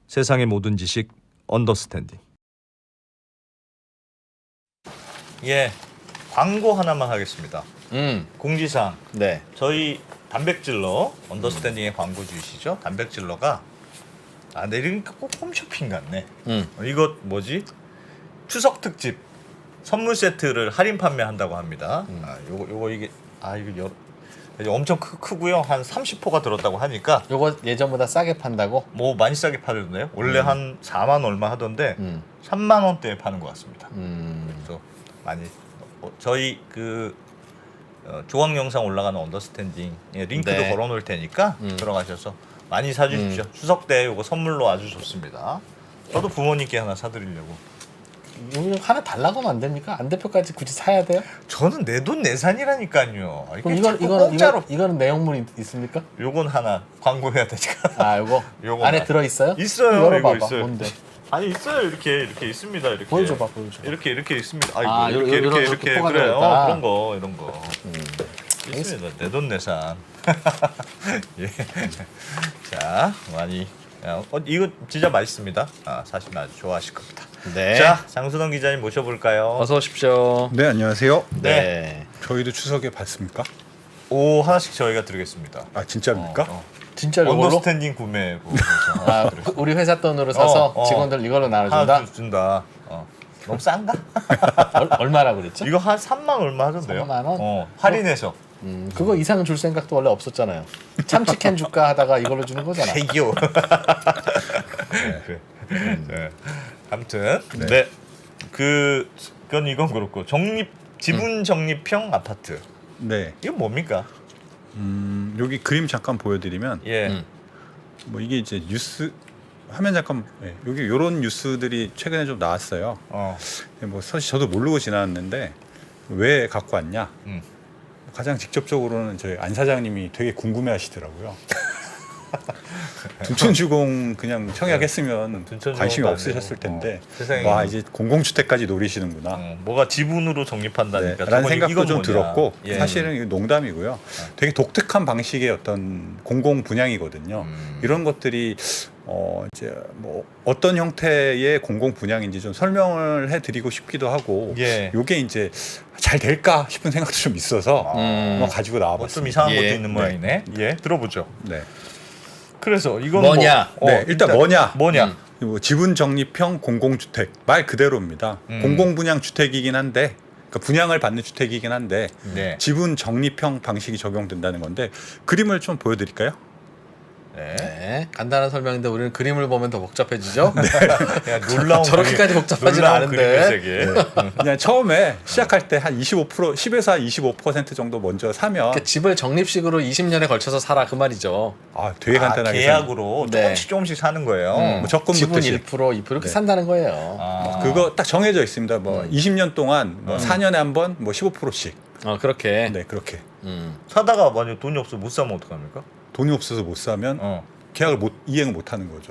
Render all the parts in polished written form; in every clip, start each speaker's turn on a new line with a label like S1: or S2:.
S1: 세상의 모든 지식 언더스탠딩. 예, 광고 하나만 하겠습니다. 공지사항.
S2: 네.
S1: 저희 단백질러 언더스탠딩의 광고주이시죠? 단백질러가 내리니까 꼭 홈쇼핑 같네. 이거 뭐지? 추석 특집 선물 세트를 할인 판매한다고 합니다. 요거 이게 이거 엄청 크고요. 한 30호가 들었다고 하니까
S2: 요거 예전보다 싸게 판다고?
S1: 뭐 많이 싸게 팔던데요. 원래 한 4만 얼마 하던데 3만 원대에 파는 것 같습니다. 그래서 많이 저희 조항 영상 올라가는 언더스탠딩 링크도
S2: 네.
S1: 걸어놓을 테니까 들어가셔서 많이 사주십시오. 추석 때 이거 선물로 아주 좋습니다. 저도 부모님께 하나 사드리려고.
S2: 이거 하나 달라고 하면 안 됩니까? 안 대표까지 굳이 사야 돼요?
S1: 저는 내 돈 내산이라니까요.
S2: 그럼
S1: 공짜로.
S2: 이거는 내용물이 있습니까?
S1: 요건 하나 광고해야 되니까.
S2: 아, 요거 안에 들어 있어요?
S1: 있어요.
S2: 열어봐봐.
S1: 이거 있어요.
S2: 뭔데?
S1: 아니 있어요. 이렇게 있습니다. 이렇게.
S2: 보여줘봐.
S1: 이렇게 있습니다.
S2: 이렇게 포가
S1: 그래요.
S2: 들어있다.
S1: 이런 거. 있습니다. 내 돈 내산. 예. 자, 많이. 이거 진짜 맛있습니다. 사시면 아주 좋아하실 겁니다.
S2: 네.
S1: 자, 장순원 기자님 모셔볼까요?
S2: 어서 오십시오.
S3: 네, 안녕하세요.
S2: 네.
S3: 저희도 추석에 봤습니까?
S1: 오, 하나씩 저희가 드리겠습니다.
S3: 아, 진짜입니까?
S2: 진짜 요걸로?
S1: 언더스탠딩 구매.
S2: 우리 회사 돈으로 사서 직원들 이걸로 나눠준다?
S1: 하나 준다. 너무 싼가?
S2: 얼마라 그랬죠?
S1: 이거 한 3만 얼마 하던데요?
S2: 3만 원?
S1: 할인해서.
S2: 그거 이상 줄 생각도 원래 없었잖아요. 참치캔 줄까 하다가 이걸로 주는 거잖아.
S1: 대기요. 네. 아무튼 네. 그건 이건 그렇고 지분 적립형 아파트.
S3: 네.
S1: 이건 뭡니까?
S3: 여기 그림 잠깐 보여드리면
S1: 예.
S3: 뭐 이게 이제 뉴스 화면 잠깐 여기 이런 뉴스들이 최근에 좀 나왔어요. 뭐 사실 저도 모르고 지나갔는데 왜 갖고 왔냐? 가장 직접적으로는 저희 안 사장님이 되게 궁금해하시더라고요. 둔촌주공 그냥 청약했으면 관심이 없으셨을 텐데 와 이제 공공주택까지 노리시는구나.
S1: 뭐가 지분으로 적립한다니까.
S3: 라는 생각도 좀
S1: 뭐냐.
S3: 들었고
S1: 예.
S3: 사실은 이거 농담이고요. 되게 독특한 방식의 어떤 공공 분양이거든요. 이런 것들이 이제 뭐 어떤 형태의 공공 분양인지 좀 설명을 해드리고 싶기도 하고,
S1: 예.
S3: 요게 이제 잘 될까 싶은 생각도 좀 있어서 한번 가지고 나와봤습니다.
S1: 좀 이상한 것도
S2: 예.
S1: 있는 모양이네. 예, 들어보죠.
S3: 네.
S1: 그래서 이건
S2: 뭐냐?
S3: 일단 뭐냐?
S1: 뭐냐?
S3: 지분 적립형 공공주택 말 그대로입니다. 공공분양 주택이긴 한데, 그러니까 분양을 받는 주택이긴 한데
S1: 네.
S3: 지분 적립형 방식이 적용된다는 건데 그림을 좀 보여드릴까요?
S2: 네. 간단한 설명인데 우리는 그림을 보면 더 복잡해지죠?
S1: 야, 놀라운
S2: 저렇게까지 복잡하지는
S1: 놀라운
S2: 않은데.
S1: 그림의 세계.
S3: 그냥 처음에 시작할 때 한 25% 10에서 한 25% 정도 먼저 사면
S2: 그러니까 집을 적립식으로 20년에 걸쳐서 사라 그 말이죠.
S3: 되게 간단하게
S1: 계약으로
S2: 네.
S1: 조금씩 사는 거예요.
S3: 뭐 적금
S2: 지분
S3: 붙듯이
S2: 1% 2% 이렇게 산다는 거예요.
S3: 그거 딱 정해져 있습니다. 뭐 20년 동안 뭐 4년에 한 번 뭐 15%씩.
S2: 그렇게.
S3: 네, 그렇게.
S1: 사다가 만약 돈이 없어 못 사면 어떡합니까?
S3: 돈이 없어서 못 사면 계약을 이행을 못 하는 거죠.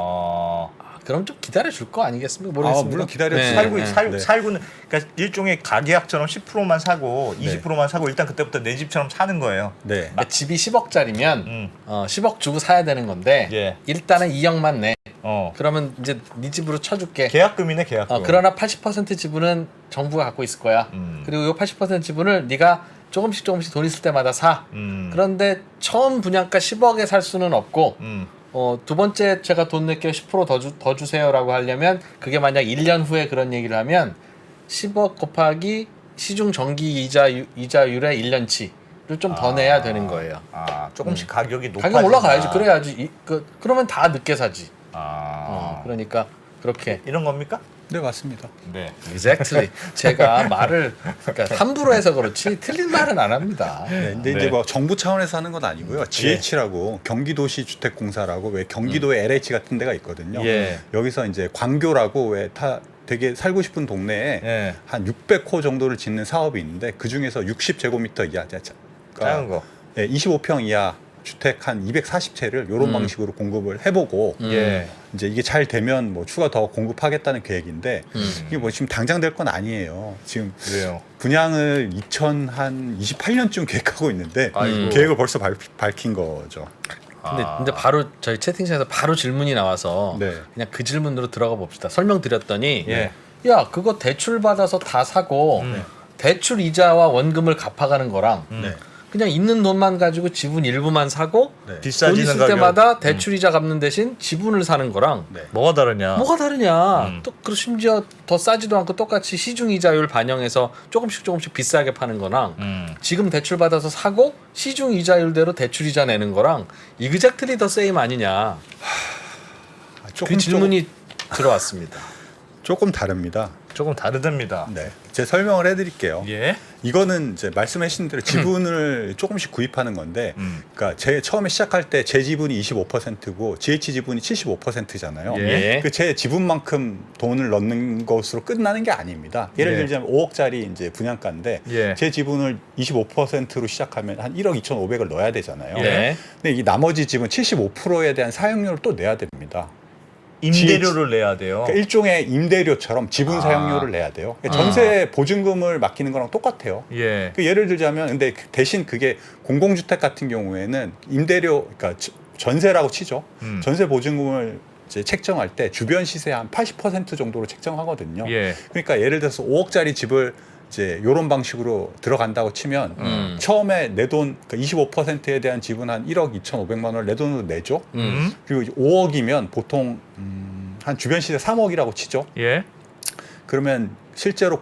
S2: 그럼 좀 기다려 줄 거 아니겠습니까? 모르겠습니다.
S3: 물론 기다려
S2: 네.
S1: 살고는 그러니까 일종의 가계약처럼 10%만 사고 20%만 사고 일단 그때부터 내 집처럼 사는 거예요.
S3: 네.
S2: 그러니까 집이 10억짜리면 10억 주고 사야 되는 건데
S1: 예.
S2: 일단은 2억만 내.
S1: 어.
S2: 그러면 이제 네 집으로 쳐줄게.
S1: 계약금이네 계약금.
S2: 그러나 80% 지분은 정부가 갖고 있을 거야. 그리고 이 80% 지분을 네가 조금씩 돈 있을 때마다 사. 그런데 처음 분양가 10억에 살 수는 없고 두 번째 제가 돈 낼게요 10% 더 주세요라고 하려면 그게 만약 1년 후에 그런 얘기를 하면 10억 곱하기 시중 정기 이자율의 1년치를 좀 더 내야 되는 거예요.
S1: 조금씩 가격이 높아지나.
S2: 가격 올라가야지. 그래야지. 그러면 다 늦게 사지. 그러니까 그렇게.
S1: 이런 겁니까?
S3: 네, 맞습니다.
S1: 네.
S2: Exactly. 제가 말을 그러니까 함부로 해서 그렇지 틀린 말은 안 합니다.
S3: 네, 근데 이제 뭐 정부 차원에서 하는 건 아니고요. GH라고 경기도시주택공사라고 왜 경기도에 LH 같은 데가 있거든요.
S1: 예.
S3: 여기서 이제 광교라고 왜 되게 살고 싶은 동네에 한 600호 정도를 짓는 사업이 있는데 그 중에서 60제곱미터 이하,
S1: 작은 거.
S3: 25평 이하 주택 한 240채를 이런 방식으로 공급을 해보고 이제 이게 잘 되면 뭐 추가 더 공급하겠다는 계획인데 이게 뭐 지금 당장 될 건 아니에요. 지금
S1: 그래요.
S3: 분양을 2028년쯤 계획하고 있는데
S1: 아이고.
S3: 계획을 벌써 밝힌 거죠.
S2: 근데 바로 저희 채팅창에서 바로 질문이 나와서
S3: 네.
S2: 그냥 그 질문으로 들어가 봅시다. 설명드렸더니
S1: 예.
S2: 야 그거 대출 받아서 다 사고 대출 이자와 원금을 갚아가는 거랑
S3: 네.
S2: 그냥 있는 돈만 가지고 지분 일부만 사고
S3: 네.
S2: 돈
S1: 비싸지는
S2: 있을
S1: 가격.
S2: 때마다 대출 이자 갚는 대신 지분을 사는 거랑
S3: 네.
S1: 뭐가 다르냐?
S2: 뭐가 다르냐? 또 그리고 심지어 더 싸지도 않고 똑같이 시중 이자율 반영해서 조금씩 비싸게 파는 거랑 지금 대출 받아서 사고 시중 이자율대로 대출 이자 내는 거랑 이그젝트리 더 세임 아니냐? 그 질문이 들어왔습니다.
S3: 조금 다릅니다.
S1: 조금 다르답니다.
S3: 네. 제 설명을 해드릴게요.
S1: 예.
S3: 이거는 이제 말씀하신 대로 지분을 조금씩 구입하는 건데, 그러니까 제 처음에 시작할 때 제 지분이 25%고 GH 지분이 75%잖아요.
S2: 예.
S3: 그 제 지분만큼 돈을 넣는 것으로 끝나는 게 아닙니다. 예를
S1: 예.
S3: 들자면 5억짜리 이제 분양가인데
S1: 예.
S3: 제 지분을 25%로 시작하면 한 1억 2,500을 넣어야 되잖아요.
S2: 예.
S3: 근데 이 나머지 지분 75%에 대한 사용료를 또 내야 됩니다.
S1: 임대료를 내야 돼요.
S3: 그러니까 일종의 임대료처럼 지분 사용료를 내야 돼요. 그러니까 전세 보증금을 맡기는 거랑 똑같아요.
S1: 예.
S3: 그 예를 들자면 근데 대신 그게 공공주택 같은 경우에는 임대료 그러니까 전세라고 치죠. 전세 보증금을 이제 책정할 때 주변 시세 한 80% 정도로 책정하거든요.
S1: 예.
S3: 그러니까 예를 들어서 5억짜리 집을 이제 이런 방식으로 들어간다고 치면 처음에 내 돈 그러니까 25%에 대한 지분 한 1억 2,500만 원을 내 돈으로 내죠. 그리고 5억이면 보통 한 주변 시세 3억이라고 치죠.
S1: 예.
S3: 그러면 실제로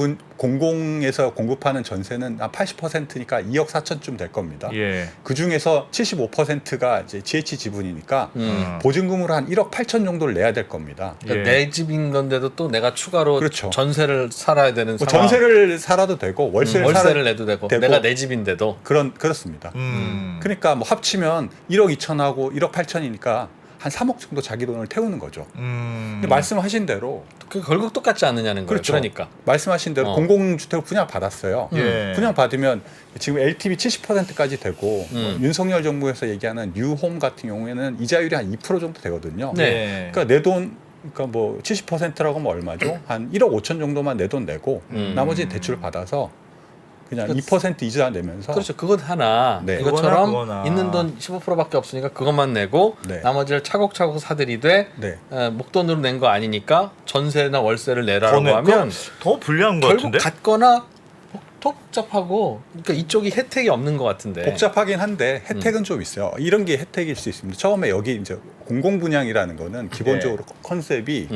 S3: 공공에서 공급하는 전세는 한 80%니까 2억 4천쯤 될 겁니다.
S1: 예.
S3: 그 중에서 75%가 이제 GH 지분이니까 보증금으로 한 1억 8천 정도를 내야 될 겁니다.
S2: 그러니까
S1: 예.
S2: 내 집인 건데도 또 내가 추가로
S3: 그렇죠.
S2: 전세를 살아야 되는
S3: 뭐
S2: 상황.
S3: 전세를 살아도 되고 월세를
S2: 내도 되고
S3: 되고
S2: 내가 내 집인데도
S3: 그렇습니다. 그러니까 뭐 합치면 1억 2천하고 1억 8천이니까 한 3억 정도 자기 돈을 태우는 거죠. 근데 말씀하신 대로
S2: 그 결국 똑같지 않느냐는 거예요.
S3: 그렇죠.
S2: 그러니까
S3: 말씀하신 대로 공공주택을 분양받았어요.
S1: 예.
S3: 분양받으면 지금 LTV 70%까지 되고 뭐 윤석열 정부에서 얘기하는 뉴홈 같은 경우에는 이자율이 한 2% 정도 되거든요.
S1: 네.
S3: 그러니까 내 돈 그러니까 뭐 70%라고 하면 얼마죠? 한 1억 5천 정도만 내 돈 내고 나머지 대출 받아서 그냥 2% 이자 내면서
S2: 그렇죠. 그것 하나
S3: 네.
S2: 이것처럼
S1: 그거나.
S2: 있는 돈 15%밖에 없으니까 그것만 내고
S3: 네.
S2: 나머지를 차곡차곡 사들이되
S3: 네.
S2: 목돈으로 낸 거 아니니까 전세나 월세를 내라고
S1: 더
S2: 하면
S1: 더 불리한 것
S2: 결국
S1: 같은데.
S2: 같거나 더 복잡하고 그러니까 이쪽이 혜택이 없는 것 같은데.
S3: 복잡하긴 한데 혜택은 좀 있어요. 이런 게 혜택일 수 있습니다. 처음에 여기 이제 공공 분양이라는 거는 기본적으로 컨셉이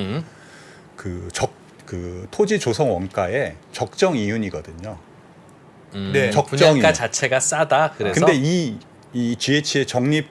S3: 그 토지 조성 원가의 적정 이윤이거든요.
S1: 네.
S3: 적정이요.
S2: 분양가 자체가 싸다. 그래서
S3: 근데 이 GH의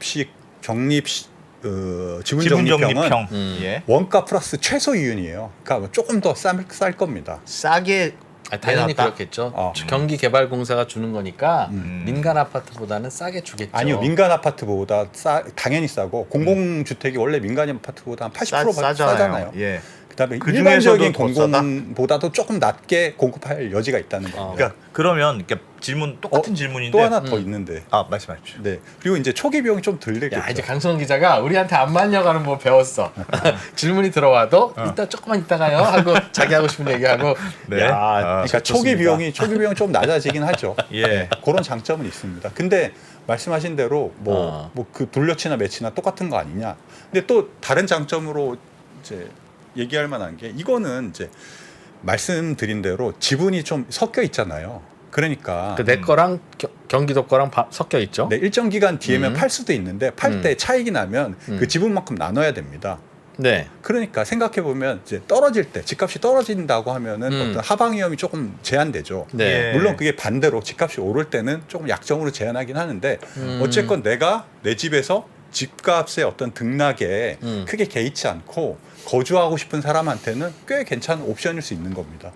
S3: 지분 적립형은
S1: 적립형. 예.
S3: 원가 플러스 최소 이윤이에요. 그러니까 조금 더 쌀 겁니다.
S1: 싸게
S2: 당연히
S1: 내놨다?
S2: 그렇겠죠. 경기개발공사가 주는 거니까 민간 아파트보다는 싸게 주겠죠.
S3: 아니요, 민간 아파트보다 당연히 싸고 공공주택이 원래 민간 아파트보다 한 80% 싸잖아요.
S1: 예.
S3: 그다음에
S1: 그
S3: 일반적인
S1: 중에서도 더 싸다?
S3: 공공보다도 조금 낮게 공급할 여지가 있다는 겁니다.
S1: 그러니까 그러면 이렇게 질문 똑같은 질문인데
S3: 또 하나 더 있는데.
S1: 아 말씀하십시오.
S3: 네. 그리고 이제 초기 비용이 좀 덜 들겠죠.
S2: 야 이제 강성원 기자가 우리한테 안 맞려가는 뭐 배웠어. 질문이 들어와도 이따 조금만 이따가요 하고 자기 하고 싶은 얘기하고.
S1: 네.
S2: 야,
S3: 그러니까 초기 비용이 좀 낮아지긴 하죠.
S1: 예.
S3: 그런 장점은 있습니다. 근데 말씀하신 대로 뭐 그 돌려치나 매치나 똑같은 거 아니냐. 근데 또 다른 장점으로 이제 얘기할 만한 게 이거는 이제 말씀드린 대로 지분이 좀 섞여 있잖아요. 그러니까
S2: 내 거랑 경기도 거랑 섞여 있죠.
S3: 네, 일정 기간 뒤에면 팔 수도 있는데 팔 때 차익이 나면 그 지분만큼 나눠야 됩니다.
S2: 네.
S3: 그러니까 생각해 보면 이제 떨어질 때 집값이 떨어진다고 하면은 어떤 하방 위험이 조금 제한되죠.
S2: 네.
S1: 예.
S3: 물론 그게 반대로 집값이 오를 때는 조금 약정으로 제한하긴 하는데 어쨌건 내가 내 집에서 집값의 어떤 등락에 크게 개의치 않고 거주하고 싶은 사람한테는 꽤 괜찮은 옵션일 수 있는 겁니다.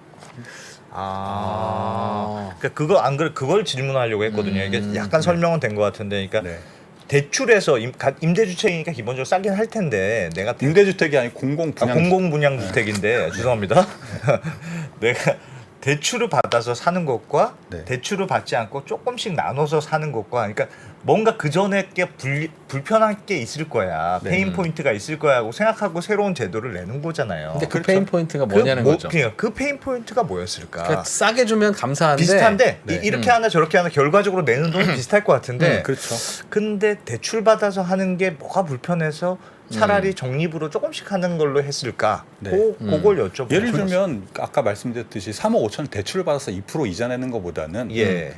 S1: 그러니까 그거 안 그래 그걸 질문하려고 했거든요. 이게 약간 설명은 된 것 같은데, 그러니까
S3: 네.
S1: 대출에서 임대주택이니까 기본적으로 싸긴 할 텐데 내가
S3: 임대주택이 아니고 공공분양.
S1: 공공분양주택인데 죄송합니다. 내가 대출을 받아서 사는 것과
S3: 네.
S1: 대출을 받지 않고 조금씩 나눠서 사는 것과 그러니까 뭔가 그 전에 게 불편한 게 있을 거야.
S2: 네.
S1: 페인 포인트가 있을 거야 하고 생각하고 새로운 제도를 내는 거잖아요.
S2: 근데 그
S3: 그렇죠.
S2: 페인 포인트가 뭐냐는 거죠.
S1: 그러니까 그 페인 포인트가 뭐였을까?
S2: 그러니까 싸게 주면 감사한데
S1: 비슷한데
S3: 네.
S1: 이렇게 하나 저렇게 하나 결과적으로 내는 돈은 비슷할 것 같은데
S3: 그렇죠.
S1: 근데 대출 받아서 하는 게 뭐가 불편해서 차라리 적립으로 조금씩 하는 걸로 했을까?
S3: 네.
S1: 그걸 여쭤보고
S3: 예를 들면 아까 말씀드렸듯이 3억 5천 대출을 받아서 2% 이자 내는 것보다는
S1: 예.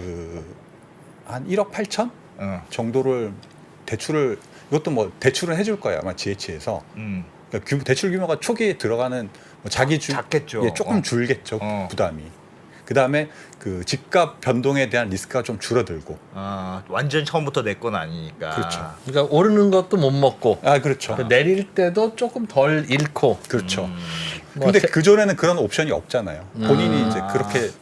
S3: 한 1억 8천
S1: 어.
S3: 정도를 대출을 이것도 뭐 대출은 해줄 거예요 아마 GH에서 그러니까 대출 규모가 초기에 들어가는 뭐 자기
S1: 작겠죠.
S3: 예, 조금 줄겠죠 부담이. 그 다음에 그 집값 변동에 대한 리스크가 좀 줄어들고.
S1: 완전 처음부터 내 건 아니니까.
S3: 그렇죠.
S2: 그러니까 오르는 것도 못 먹고
S3: 그렇죠.
S2: 내릴 때도 조금 덜 잃고.
S3: 그렇죠.
S2: 뭐
S3: 근데 그 전에는 그런 옵션이 없잖아요. 본인이 이제 그렇게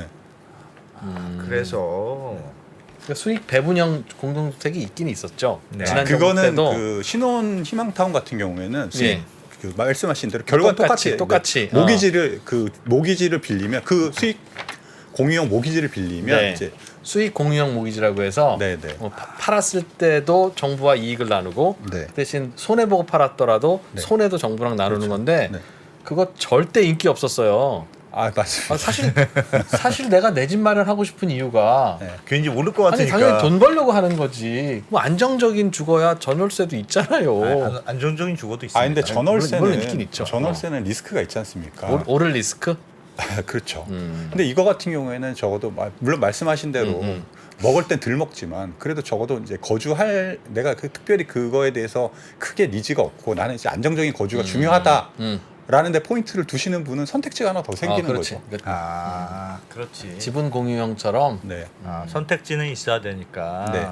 S1: 그래서
S2: 그러니까 수익 배분형 공동주택이 있긴 있었죠.
S1: 네.
S2: 지난 정부
S3: 그거는
S2: 때도
S3: 그 신혼 희망타운 같은 경우에는
S2: 예.
S3: 그 말씀하신 대로 결과
S2: 똑같이.
S3: 모기지를 빌리면 그 수익 공유형 모기지를 빌리면
S2: 네.
S3: 이제
S2: 수익 공유형 모기지라고 해서
S3: 네네.
S2: 팔았을 때도 정부와 이익을 나누고
S3: 네.
S2: 대신 손해 보고 팔았더라도
S3: 네.
S2: 손해도 정부랑 나누는 건데
S3: 네.
S2: 그거 절대 인기 없었어요.
S3: 맞습니다.
S2: 사실 내가 내 집 마련하고 싶은 이유가
S3: 네.
S1: 괜히 모를 것
S2: 아니
S1: 같으니까.
S2: 당연히 돈 벌려고 하는 거지. 뭐 안정적인 주거야 전월세도 있잖아요.
S1: 안정적인 주거도 있습니다.
S3: 근데
S2: 물론 있긴 있죠.
S3: 전월세는 리스크가 있지 않습니까?
S2: 오를 리스크?
S3: 그렇죠. 근데 이거 같은 경우에는 적어도 물론 말씀하신 대로 먹을 땐 덜 먹지만 그래도 적어도 이제 거주할 내가 특별히 그거에 대해서 크게 니즈가 없고 나는 이제 안정적인 거주가 중요하다라는 데 포인트를 두시는 분은 선택지가 하나 더 생기는
S2: 그렇지.
S3: 거죠.
S1: 그렇지.
S2: 지분 공유형처럼.
S3: 네.
S1: 선택지는 있어야 되니까.
S3: 네.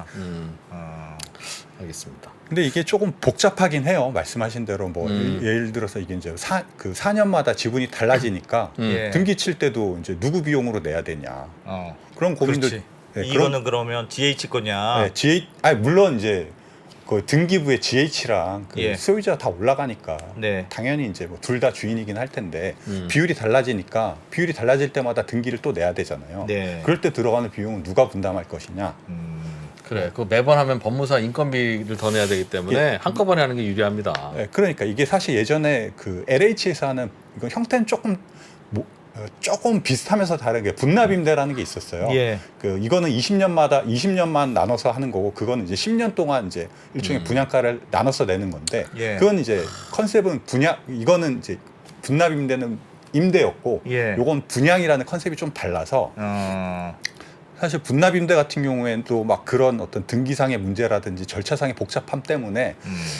S2: 알겠습니다.
S3: 근데 이게 조금 복잡하긴 해요. 말씀하신 대로 뭐 예를 들어서 이게 이제 4년마다 지분이 달라지니까
S1: 예.
S3: 등기 칠 때도 이제 누구 비용으로 내야 되냐. 그런 고민들.
S1: 그렇지.
S3: 네,
S1: 이거는 그러면 DH 거냐?
S3: 네, 물론 이제 그 등기부의 GH랑 그
S1: 예.
S3: 소유자가 다 올라가니까
S1: 네.
S3: 당연히 이제 뭐 둘 다 주인이긴 할 텐데 비율이 달라지니까 비율이 달라질 때마다 등기를 또 내야 되잖아요.
S1: 네.
S3: 그럴 때 들어가는 비용은 누가 분담할 것이냐.
S2: 그래. 그 매번 하면 법무사 인건비를 더 내야 되기 때문에 한꺼번에 하는 게 유리합니다.
S3: 네, 그러니까 이게 사실 예전에 그 LH에서 하는 이건 형태는 조금 비슷하면서 다른 게 분납임대라는 게 있었어요.
S1: 예.
S3: 그 이거는 20년만 나눠서 하는 거고 그거는 이제 10년 동안 이제 일종의 분양가를 나눠서 내는 건데
S1: 예.
S3: 그건 이제 컨셉은 이거는 이제 분납임대는 임대였고
S1: 예.
S3: 요건 분양이라는 컨셉이 좀 달라서 사실 분납임대 같은 경우에는 또 막 그런 어떤 등기상의 문제라든지 절차상의 복잡함 때문에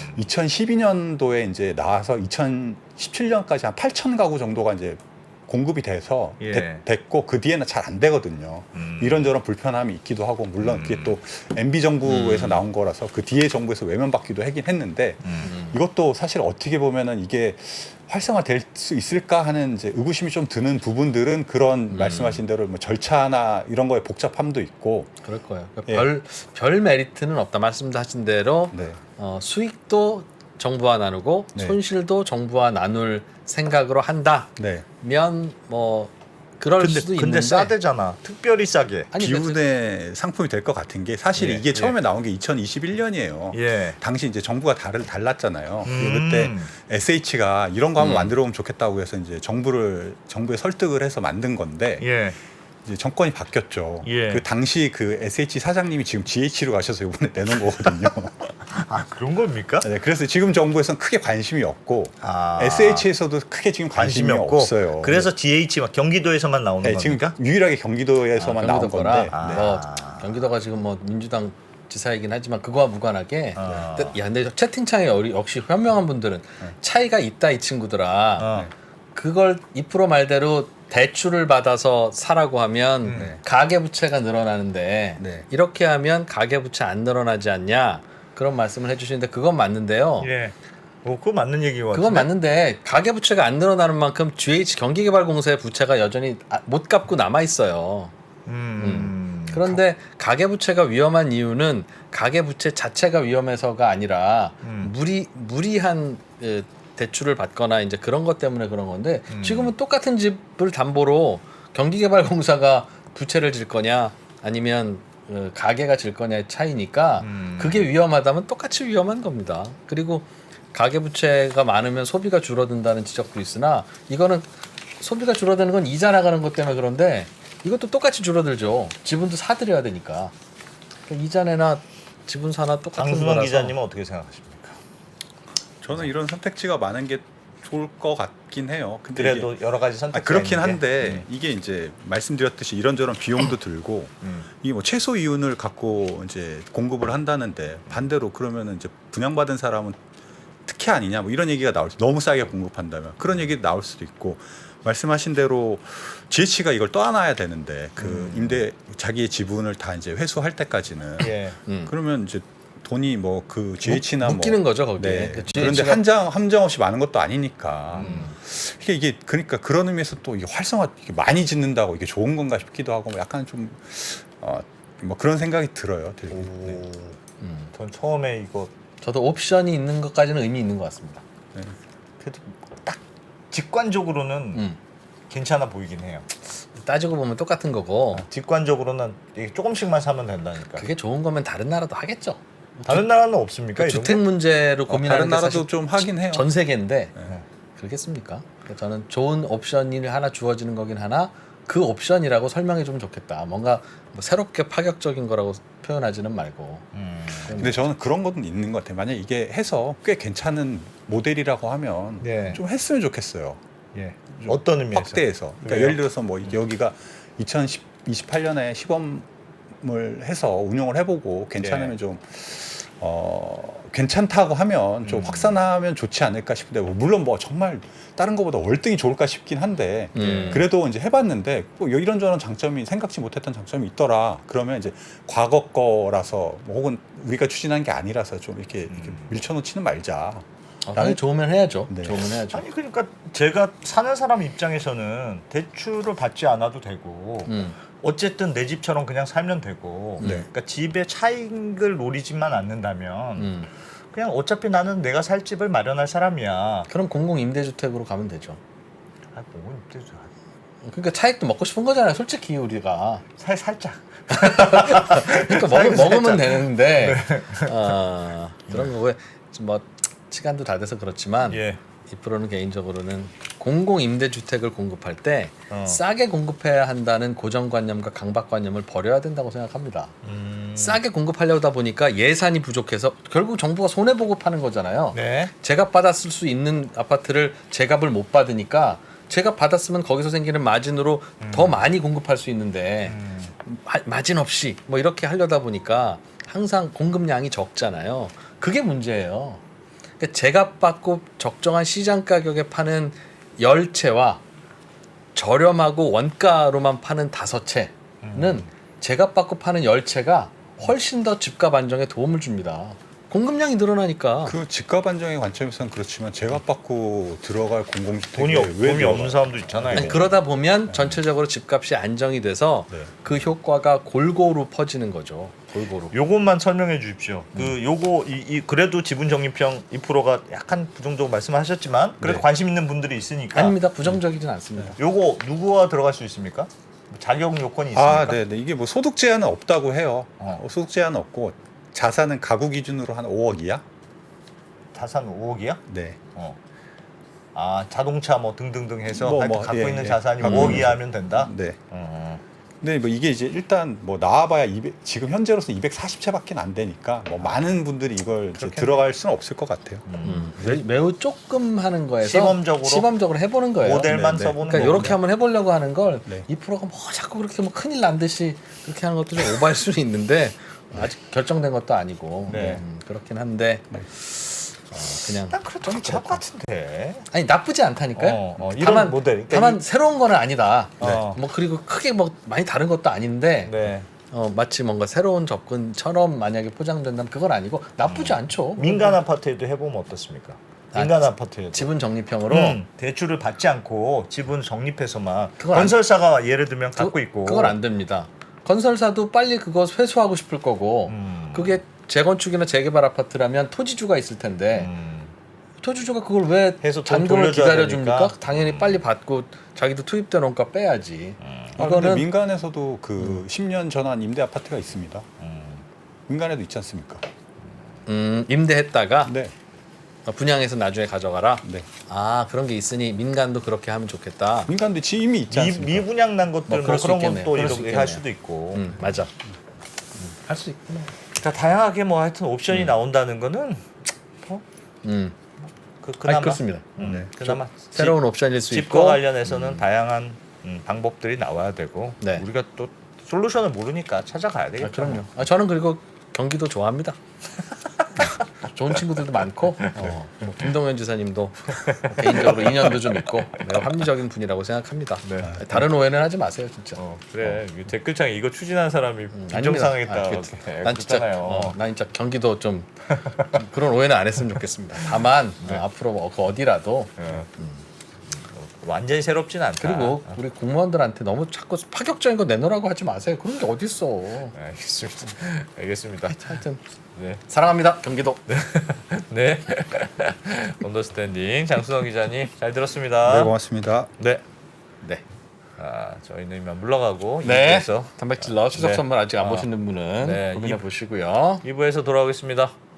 S3: 2012년도에 이제 나와서 2017년까지 한 8천 가구 정도가 이제 공급이 돼서
S1: 예.
S3: 됐고 그 뒤에는 잘 안 되거든요. 이런저런 불편함이 있기도 하고 물론 그게 또 MB 정부에서 나온 거라서 그 뒤에 정부에서 외면받기도 하긴 했는데 이것도 사실 어떻게 보면은 이게 활성화될 수 있을까 하는 이제 의구심이 좀 드는 부분들은 그런 말씀하신 대로 뭐 절차나 이런 거에 복잡함도 있고
S2: 그럴 거예요. 그러니까 별 메리트는 없다. 말씀하신 대로
S3: 네.
S2: 수익도 정부와 나누고
S3: 네.
S2: 손실도 정부와 나눌 생각으로 한다면
S3: 네.
S2: 뭐 그럴 수도 있는데
S1: 근데 싸대잖아. 특별히 싸게.
S2: 아니,
S3: 기운의 상품이 될 것 같은 게 사실
S1: 예,
S3: 이게 처음에 나온 게 2021년이에요.
S1: 예.
S3: 당시 이제 정부가 달랐잖아요. 그리고 그때 SH가 이런 거 한번 만들어 보면 좋겠다고 해서 이제 정부에 설득을 해서 만든 건데
S1: 예.
S3: 이제 정권이 바뀌었죠.
S1: 예.
S3: 그 당시 그 SH 사장님이 지금 GH로 가셔서 이번에 내놓은 거거든요.
S1: 그런 겁니까?
S3: 네, 그래서 지금 정부에서는 크게 관심이 없고
S1: 아.
S3: SH에서도 크게 지금 관심이
S1: 없고.
S3: 없어요.
S1: 그래서 DH 막 경기도에서만 나오는
S3: 네, 지금
S1: 겁니까?
S3: 유일하게 경기도에서만 나온
S2: 경기도 거라.
S3: 건데.
S2: 뭐 경기도가 지금 뭐 민주당 지사이긴 하지만 그거와 무관하게 근데 채팅창에 역시 현명한 분들은 차이가 있다 이 친구들아. 그걸 2% 말대로 대출을 받아서 사라고 하면 가계부채가 늘어나는데
S3: 네.
S2: 이렇게 하면 가계부채 안 늘어나지 않냐 그런 말씀을 해주시는데 그건 맞는데요.
S1: 예. 그거 맞는 얘기인 것 같은데.
S2: 그건 맞는데 가계부채가 안 늘어나는 만큼 GH 경기개발공사의 부채가 여전히 못 갚고 남아 있어요. 그런데 가계부채가 위험한 이유는 가계부채 자체가 위험해서가 아니라 무리한 대출을 받거나 이제 그런 것 때문에 그런 건데 지금은 똑같은 집을 담보로 경기개발공사가 부채를 질 거냐 아니면 가게가 질 거냐의 차이니까 그게 위험하다면 똑같이 위험한 겁니다. 그리고 가계부채가 많으면 소비가 줄어든다는 지적도 있으나 이거는 소비가 줄어드는 건 이자 나가는 것 때문에 그런데 이것도 똑같이 줄어들죠. 지분도 사들여야 되니까. 그러니까 이자 내나 지분 사나 똑같은
S1: 강순원
S2: 거라서.
S1: 기자님은 어떻게 생각하십니까?
S3: 저는 이런 선택지가 많은 게 좋을 것 같긴 해요. 근데
S1: 그래도 여러 가지 선택지가
S3: 그렇긴
S1: 있는 게.
S3: 한데 이게 이제 말씀드렸듯이 이런저런 비용도 들고 이게 뭐 최소 이윤을 갖고 이제 공급을 한다는데 반대로 그러면은 이제 분양받은 사람은 특혜 아니냐 뭐 이런 얘기가 나올 수 너무 싸게 공급한다면 그런 얘기 나올 수도 있고 말씀하신 대로 GH가 이걸 떠안아야 되는데 그 임대 자기의 지분을 다 이제 회수할 때까지는
S1: 예.
S3: 그러면 이제 돈이 뭐 그 GH나
S2: 묶이는 거죠 거기에.
S3: 네.
S2: 그
S3: 그런데
S2: GH 가
S3: 함정 없이 많은 것도 아니니까 이게 그러니까 그런 의미에서 또 이게 활성화 이게 많이 짓는다고 이게 좋은 건가 싶기도 하고 약간 좀 뭐 그런 생각이 들어요. 되게. 네.
S1: 전 처음에 이거
S2: 저도 옵션이 있는 것까지는 의미 있는 것 같습니다.
S3: 네.
S1: 그래도 딱 직관적으로는 괜찮아 보이긴 해요.
S2: 따지고 보면 똑같은 거고
S1: 직관적으로는 이게 조금씩만 사면 된다니까.
S2: 그게 좋은 거면 다른 나라도 하겠죠.
S1: 다른 나라는 없습니까? 이런
S2: 주택
S1: 거?
S2: 문제로 고민하는
S3: 다른
S2: 게
S3: 나라도
S2: 사실
S3: 좀 하긴 해요.
S2: 전 세계인데
S1: 네.
S2: 그렇겠습니까? 그러니까 저는 좋은 옵션이 하나 주어지는 거긴 하나 그 옵션이라고 설명해 주면 좋겠다. 뭔가 뭐 새롭게 파격적인 거라고 표현하지는 말고.
S3: 근데 저는 그런 것도 있는 것 같아요. 만약 이게 해서 꽤 괜찮은 모델이라고 하면
S1: 네.
S3: 좀 했으면 좋겠어요.
S1: 예. 어떤 의미에서?
S3: 확대해서. 그러니까
S1: 왜요?
S3: 예를 들어서 뭐 여기가 2028년에 시범을 해서 운영을 해보고 괜찮으면
S1: 네.
S3: 좀 괜찮다고 하면 좀 확산하면 좋지 않을까 싶은데 뭐 물론 뭐 정말 다른 것보다 월등히 좋을까 싶긴 한데 그래도 이제 해봤는데 뭐 이런저런 장점이 생각지 못했던 장점이 있더라. 그러면 이제 과거 거라서 뭐 혹은 우리가 추진한 게 아니라서 좀 이렇게 밀쳐놓지는 말자.
S2: 당연히 좋으면 해야죠.
S3: 네.
S2: 좋으면 해야죠.
S1: 아니 그러니까 제가 사는 사람 입장에서는 대출을 받지 않아도 되고 어쨌든 내 집처럼 그냥 살면 되고 그러니까 집의 차익을 노리지만 않는다면 그냥 어차피 나는 내가 살 집을 마련할 사람이야.
S2: 그럼 공공 임대주택으로 가면 되죠.
S1: 아, 뭐 임대주
S2: 그러니까 차익도 먹고 싶은 거잖아요. 솔직히 우리가
S1: 살짝.
S2: 그러니까 먹으면
S1: 살짝.
S2: 되는데 그런 거고 뭐 시간도 다 돼서 그렇지만
S1: 예.
S2: 이 프로는 개인적으로는 공공 임대주택을 공급할 때
S1: 어.
S2: 싸게 공급해야 한다는 고정관념과 강박관념을 버려야 된다고 생각합니다. 싸게 공급하려다 보니까 예산이 부족해서 결국 정부가 손해 보고 파는 거잖아요.
S1: 네.
S2: 제값 받았을 수 있는 아파트를 제값을 못 받으니까 제값 받았으면 거기서 생기는 마진으로 더 많이 공급할 수 있는데 마진 없이 뭐 이렇게 하려다 보니까 항상 공급량이 적잖아요. 그게 문제예요. 그러니까 제값 받고 적정한 시장 가격에 파는 10채와 저렴하고 원가로만 파는 5채는 제값 받고 파는 10채가 훨씬 더 집값 안정에 도움을 줍니다. 공급량이 늘어나니까.
S3: 그 집값 안정의 관점에서는 그렇지만 제값 받고 들어갈 공공주택이
S1: 돈이 없는 사람도 있잖아요.
S2: 아니, 그러다 보면 전체적으로 집값이 안정이 돼서
S3: 네.
S2: 그 효과가 골고루 퍼지는 거죠. 골고루.
S1: 요것만 설명해 주십시오. 그 요거 그래도 지분 적립형 2%가 약간 부정적으로 말씀하셨지만 그래도
S3: 네.
S1: 관심 있는 분들이 있으니까.
S2: 아닙니다. 부정적이진 않습니다.
S1: 요거 누구와 들어갈 수 있습니까? 자격 요건이 있습니까?
S3: 네. 이게 뭐 소득 제한은 없다고 해요. 소득 제한은 없고 자산은 가구 기준으로 한 5억이야?
S1: 자산 5억이야?
S3: 네.
S1: 아 자동차 뭐 등등등 해서
S3: 뭐,
S1: 하여튼
S3: 뭐,
S1: 갖고
S3: 예,
S1: 있는
S3: 예.
S1: 자산이
S3: 갖고
S1: 5억
S3: 있는
S1: 이하 하면 된다?
S3: 네. 근데 뭐 이게 이제 일단 뭐 나와봐야 지금 현재로서 240채밖에 안 되니까 뭐 많은 분들이 이걸 이제 들어갈 수는 없을 것 같아요.
S2: 매우 조금 하는 거에서
S1: 시범적으로
S2: 해보는 거예요.
S1: 모델만
S3: 네, 네.
S1: 써보는
S2: 그러니까
S1: 거군요.
S2: 이렇게 한번 해보려고 하는 걸
S3: 네.
S2: 2%가 뭐 자꾸 그렇게 뭐 큰일 난 듯이 그렇게 하는 것도 좀 오버할 수는 있는데 아직 결정된 것도 아니고
S1: 네.
S2: 그렇긴 한데 그냥
S1: 난 그래도 괜찮을 것 같은데.
S2: 아니 나쁘지 않다니까요.
S1: 이런
S2: 다만
S1: 모델. 그러니까
S2: 다만 새로운 거는 아니다.
S1: 네.
S2: 뭐 그리고 크게 뭐 많이 다른 것도 아닌데
S1: 네.
S2: 마치 뭔가 새로운 접근처럼 만약에 포장된다면 그건 아니고 나쁘지 않죠.
S1: 민간 아파트에도 해보면 어떻습니까? 민간 아파트에도
S2: 지분 적립형으로
S1: 대출을 받지 않고 지분 적립해서만
S2: 그건
S1: 건설사가 예를 들면 갖고 있고
S2: 그건 안 됩니다. 건설사도 빨리 그거 회수하고 싶을 거고 그게 재건축이나 재개발 아파트라면 토지주가 있을 텐데 토지주가 그걸 왜
S1: 해서 돈
S2: 잔금을
S1: 돌려줘야
S2: 기다려줍니까?
S1: 되니까.
S2: 당연히 빨리 받고 자기도 투입된 원가 빼야지.
S3: 근데
S2: 이거는
S3: 민간에서도 그 10년 전환 임대 아파트가 있습니다. 민간에도 있지 않습니까?
S2: 임대했다가
S3: 네.
S2: 분양해서 나중에 가져가라.
S3: 네.
S2: 아 그런 게 있으니 민간도 그렇게 하면 좋겠다.
S3: 민간도 이미 있지 않습니까?
S1: 미분양 난 것들
S2: 뭐 그럴 수
S1: 그런
S2: 있겠네요.
S1: 것도
S2: 그럴 수
S1: 이렇게 할
S2: 있겠네요.
S1: 수도 있고.
S2: 맞아. 할 수 있구나.
S1: 자, 다양하게 뭐 하여튼 옵션이 나온다는 거는 그나마
S2: 그렇습니다.
S3: 네.
S1: 그나마
S2: 새로운 옵션일 수
S1: 집과
S2: 있고
S1: 관련해서는 다양한 방법들이 나와야 되고
S2: 네.
S1: 우리가 또 솔루션을 모르니까 찾아가야 되겠죠.
S2: 그럼요. 저는 그리고 경기도 좋아합니다. 좋은 친구들도 많고 뭐 김동연 지사님도 개인적으로 인연도 좀 있고 매우 합리적인 분이라고 생각합니다.
S1: 네.
S2: 다른 오해는 하지 마세요, 진짜.
S1: 그래 이 댓글창에 이거 추진한 사람이
S2: 아닙니다.
S1: 부정상했다.
S2: 난 진짜 난 진짜 경기도 좀 그런 오해는 안 했으면 좋겠습니다. 다만 앞으로 그 어디라도
S1: 완전히 새롭진 않다.
S2: 그리고 우리 공무원들한테 너무 자꾸 파격적인 거 내놓으라고 하지 마세요. 그런 게 어딨어.
S1: 알겠습니다. 알겠습니다.
S2: 하여튼
S1: 네.
S2: 사랑합니다, 경기도.
S1: 네. 언더스탠딩 장순호 기자님 잘 들었습니다.
S3: 네, 고맙습니다.
S1: 네.
S2: 네.
S1: 저희는 이만 물러가고
S2: 네.
S1: 2부에서
S2: 단백질러 추석
S1: 네.
S2: 선물 아직 안 보시는 분은
S1: 네.
S2: 고민해 보시고요.
S1: 2부에서 돌아오겠습니다.